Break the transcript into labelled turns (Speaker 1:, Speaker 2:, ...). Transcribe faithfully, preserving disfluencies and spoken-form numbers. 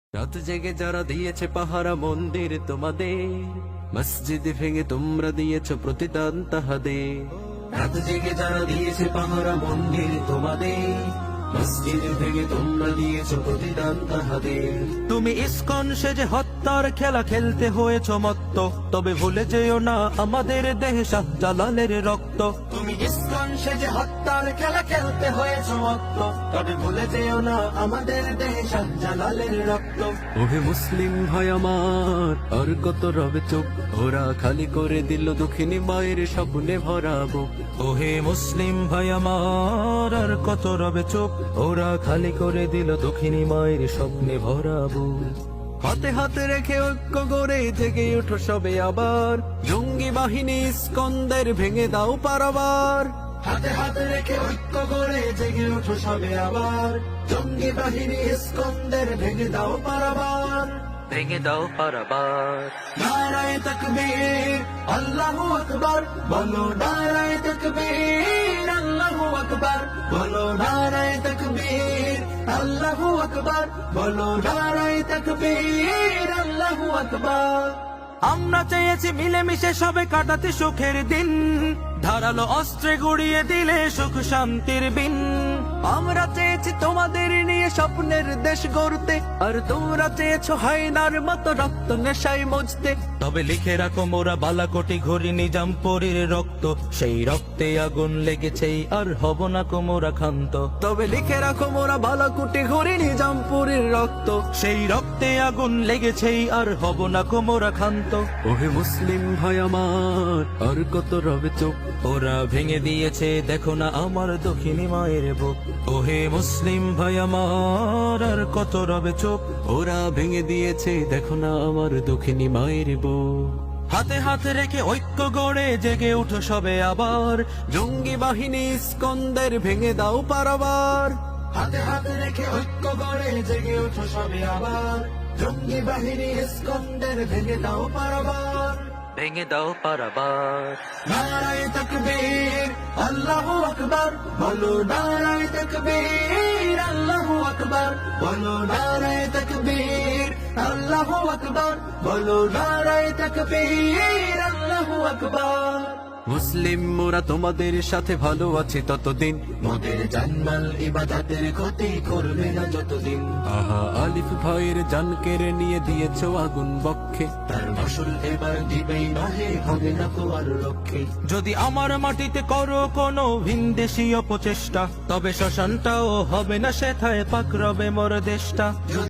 Speaker 1: রাত জেগে যারা দিয়েছে পাহারা মন্দির তোমাদের, মসজিদ ভেঙে তোমরা দিয়েছ প্রতিদান তাহাদের। রাত জেগে যারা দিয়েছে পাহারা মন্দির তোমাদের, মসজিদ ভেঙে তোমরা দিয়েছ প্রতিদান তাহাদের।
Speaker 2: তুমি ইস্কন সেজে হত্যার খেলা খেলতে হয়েছ মত্ত, তবে ভুলে যেও না আমাদের দেহে শাহ জালালের রক্ত।
Speaker 1: তুমি ইস্কন সেজে হত্যার খেলা খেলতে হয়েছ মত্ত, তবে ভুলে যেও না আমাদের দেহে শাহ জালালের রক্ত। ওহে মুসলিম ভাই আমার, আর কত রবে চোখ, ওরা খালি করে দিল দক্ষিণী মায়ের স্বপ্নে ভরাবো।
Speaker 2: ওহে মুসলিম ভাই আমার, আর কত রবে চোখ, ওরা খালি করে দিল দক্ষিণী মায়ের স্বপ্নে ভরাবো।
Speaker 1: হাতে হাতে রেখে ঐক্য গড়ে জেগে ওঠো সবে আবার, জঙ্গি বাহিনী ইস্কন্দের ভেঙে দাও পারাবার। হাতে হাতে রেখে ঐক্য গড়ে জেগে ওঠো সবে আবার, জঙ্গি বাহিনী ইস্কন্দের ভেঙে দাও পারাবার।
Speaker 2: ভেঙে দাও পারাবার।
Speaker 1: নারায়ে তাকবীর আল্লাহু আকবার, বলো নারায়ে তাকবীর আল্লাহু আকবার, বলো নারায়ে তাকবীর আল্লাহু আকবার, বলো নারায়ে তাকবীর আল্লাহু আকবার।
Speaker 2: আমরা চেয়েছি মিলেমিশে সবে কাটাতে সুখের দিন, ধারালো অস্ত্রে গুড়িয়ে দিলে সুখ শান্তির বিন।
Speaker 1: আমরা চেয়েছি তোমাদের নিয়ে স্বপ্নের দেশ গড়তে, আর তোমরা চেয়েছো হায়নার মতো রক্ত নেশায় মজতে।
Speaker 2: তবে লিখে রাখো মোরা বালাকোটি ঘড়ি নিজামপুরীর রক্ত, সেই রক্তে আগুন লেগেছে আর হব না কোমরা ক্ষান্ত।
Speaker 1: তবে লিখে রাখো মোরা বালাকুটি ঘুরি নিজামপুরের রক্ত,
Speaker 2: সেই রক্তে আগুন লেগেছে আর হব না কোমরা ক্ষান্ত।
Speaker 1: ওহে মুসলিম ভাই আমার, আর কত রবে চোখ,
Speaker 2: ওরা ভেঙে দিয়েছে দেখো না আমার দক্ষিণী মায়ের বুক। ওহে মুসলিম ভাই আমার, আর কত রবে চোখ,
Speaker 1: ওরা ভেঙে দিয়েছে দেখো না আমার দক্ষিণী মায়ের বুক।
Speaker 2: হাতে হাতে রেখে ঐক্য গড়ে জেগে উঠো সবে আবার,
Speaker 1: জঙ্গি বাহিনী ইস্কন্দের ভেঙে দাও পারাবার। হাতে হাতে রেখে ঐক্য গড়ে জেগে ওঠো সবে আবার, জঙ্গি বাহিনী ইস্কন্দের ভেঙে দাও পারাবার।
Speaker 2: ভেঙে দাও পারাবার।
Speaker 1: নারায়ে তাকবীর আল্লাহু আকবার, বলো নারায়ে তাকবীর আল্লাহু আকবার, বলো নারায়ে তাকবীর আল্লাহু আকবার, বলো নারায়ে তাকবীর আল্লাহু আকবার। মুসলিম মোরা তোমাদের সাথে ভালো আছি ততদিন, মোদের জানমাল ইবাদতের ক্ষতি করবে না যতদিন। আহা আলিফ ভাইয়ের জান কেড়ে নিয়ে দিয়েছো আগুন বক্ষে, তার ফসল এবার দিবেই নহে, হবে না তো আর রক্ষে।
Speaker 2: যদি আমার মাটিতে করো কোনো ভিনদেশী অপচেষ্টা, তবে শ্মশানটাও হবে না সেথায় পাক রবে মোর দেশটা।